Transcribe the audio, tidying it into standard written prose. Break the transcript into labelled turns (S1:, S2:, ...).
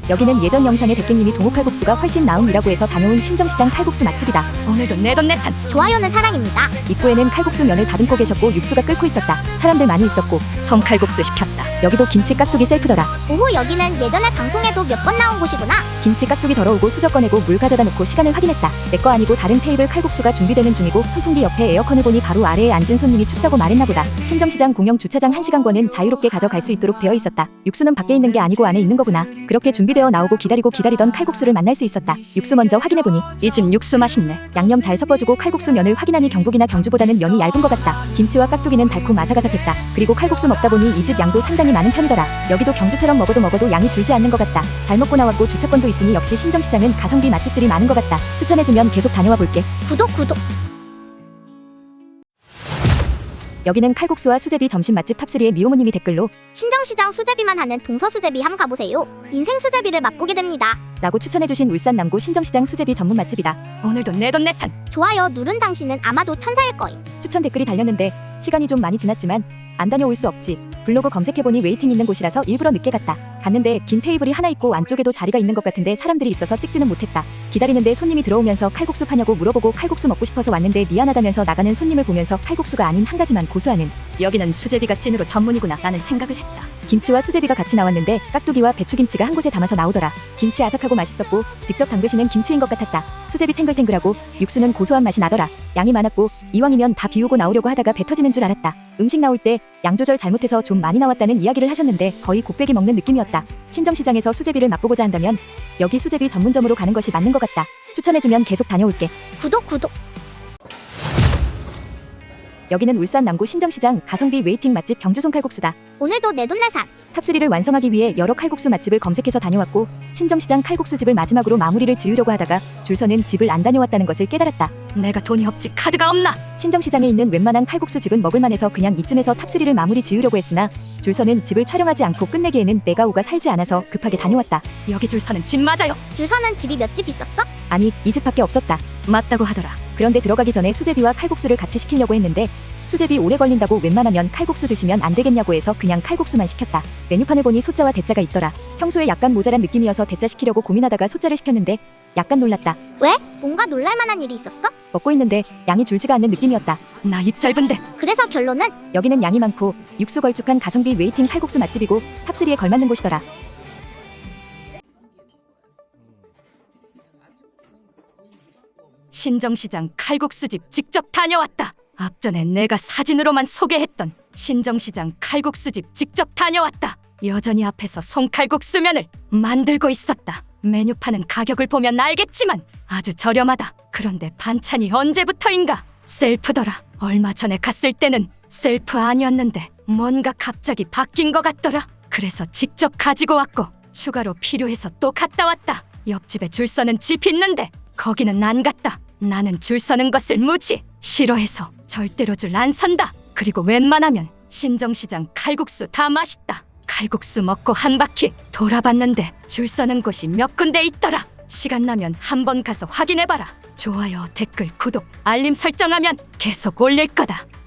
S1: 여기는 예전 영상의 대깨님이 동호칼국수가 훨씬 나음이라고 해서 다녀온 신정시장 칼국수 맛집이다.
S2: 오늘도 내돈내산.
S3: 좋아요는 사랑입니다.
S1: 입구에는 칼국수 면을 다듬고 계셨고 육수가 끓고 있었다. 사람들 많이 있었고
S2: 송칼국수 시켰다.
S1: 여기도 김치 깍두기 셀프더라.
S3: 오호, 여기는 예전에 방송에도 몇 번 나온 곳이구나.
S1: 김치 깍두기 덜어오고 수저 꺼내고 물 가져다 놓고 시간을 확인했다. 내 거 아니고 다른 테이블 칼국수가 준비되는 중이고 선풍기 옆에 에어컨을 보니 바로 아래에 앉은 손님이 춥다고 말했나 보다. 신정시장 공영 주차장 1시간권은 자유롭게 가져갈 수 있도록 되어 있었다. 육수는 밖에 있는 게 아니고 안에 있는 거구나. 그렇게 준비되어 나오고 기다리던 칼국수를 만날 수 있었다. 육수 먼저 확인해보니
S2: 이 집 육수 맛있네.
S1: 양념 잘 섞어주고 칼국수 면을 확인하니 경북이나 경주보다는 면이 얇은 것 같다. 김치와 깍두기는 달콤 아삭아삭했다. 그리고 칼국수 먹다 보니 이 집 양도 상당히 많은 편이더라. 여기도 경주처럼 먹어도 양이 줄지 않는 것 같다. 잘 먹고 나왔고 주차권도 있으니 역시 신정시장은 가성비 맛집들이 많은 것 같다. 추천해주면 계속 다녀와 볼게.
S3: 구독.
S1: 여기는 칼국수와 수제비 점심 맛집 탑3의 미호모님이 댓글로
S3: 신정시장 수제비만 하는 동서수제비 함 가보세요. 인생 수제비를 맛보게 됩니다.
S1: 라고 추천해주신 울산 남구 신정시장 수제비 전문 맛집이다.
S2: 오늘도 내돈내산.
S3: 좋아요 누른 당신은 아마도 천사일 거임.
S1: 추천 댓글이 달렸는데 시간이 좀 많이 지났지만 안 다녀올 수 없지. 블로그 검색해보니 웨이팅 있는 곳이라서 일부러 늦게 갔다. 갔는데 긴 테이블이 하나 있고 안쪽에도 자리가 있는 것 같은데 사람들이 있어서 찍지는 못했다. 기다리는데 손님이 들어오면서 칼국수 파냐고 물어보고 칼국수 먹고 싶어서 왔는데 미안하다면서 나가는 손님을 보면서 칼국수가 아닌 한 가지만 고수하는
S2: 여기는 수제비가 찐으로 전문이구나 라는 생각을 했다.
S1: 김치와 수제비가 같이 나왔는데 깍두기와 배추김치가 한 곳에 담아서 나오더라. 김치 아삭하고 맛있었고 직접 담그시는 김치인 것 같았다. 수제비 탱글탱글하고 육수는 고소한 맛이 나더라. 양이 많았고 이왕이면 다 비우고 나오려고 하다가 배 터지는 줄 알았다. 음식 나올 때 양 조절 잘못해서 좀 많이 나왔다는 이야기를 하셨는데 거의 곱빼기 먹는 느낌이었다. 신정시장에서 수제비를 맛보고자 한다면 여기 수제비 전문점으로 가는 것이 맞는 것 같다. 추천해주면 계속 다녀올게.
S3: 구독.
S1: 여기는 울산 남구 신정시장 가성비 웨이팅 맛집 경주송 칼국수다.
S3: 오늘도 내돈내산.
S1: 탑3를 완성하기 위해 여러 칼국수 맛집을 검색해서 다녀왔고 신정시장 칼국수집을 마지막으로 마무리를 지으려고 하다가 줄 서는 집을 안 다녀왔다는 것을 깨달았다.
S2: 내가 돈이 없지 카드가 없나?
S1: 신정시장에 있는 웬만한 칼국수집은 먹을만해서 그냥 이쯤에서 탑3를 마무리 지으려고 했으나 줄 서는 집을 촬영하지 않고 끝내기에는 내가 오가 살지 않아서 급하게 다녀왔다.
S2: 여기 줄 서는 집 맞아요.
S3: 줄 서는 집이 몇 집 있었어?
S1: 아니 이 집밖에 없었다.
S2: 맞다고 하더라.
S1: 그런데 들어가기 전에 수제비와 칼국수를 같이 시키려고 했는데 수제비 오래 걸린다고 웬만하면 칼국수 드시면 안 되겠냐고 해서 그냥 칼국수만 시켰다. 메뉴판을 보니 소자와 대자가 있더라. 평소에 약간 모자란 느낌이어서 대자 시키려고 고민하다가 소자를 시켰는데 약간 놀랐다.
S3: 왜? 뭔가 놀랄만한 일이 있었어?
S1: 먹고 있는데 양이 줄지가 않는 느낌이었다.
S2: 나 입 짧은데.
S3: 그래서 결론은?
S1: 여기는 양이 많고 육수 걸쭉한 가성비 웨이팅 칼국수 맛집이고 탑3에 걸맞는 곳이더라.
S2: 신정시장 칼국수집 직접 다녀왔다. 앞전에 내가 사진으로만 소개했던 신정시장 칼국수집 직접 다녀왔다. 여전히 앞에서 송칼국수면을 만들고 있었다. 메뉴판은 가격을 보면 알겠지만 아주 저렴하다. 그런데 반찬이 언제부터인가 셀프더라. 얼마 전에 갔을 때는 셀프 아니었는데 뭔가 갑자기 바뀐 것 같더라. 그래서 직접 가지고 왔고 추가로 필요해서 또 갔다 왔다. 옆집에 줄 서는 집 있는데 거기는 안 갔다. 나는 줄 서는 것을 무지 싫어해서 절대로 줄 안 선다. 그리고 웬만하면 신정시장 칼국수 다 맛있다. 칼국수 먹고 한 바퀴 돌아봤는데 줄 서는 곳이 몇 군데 있더라. 시간 나면 한번 가서 확인해봐라. 좋아요, 댓글, 구독, 알림 설정하면 계속 올릴 거다.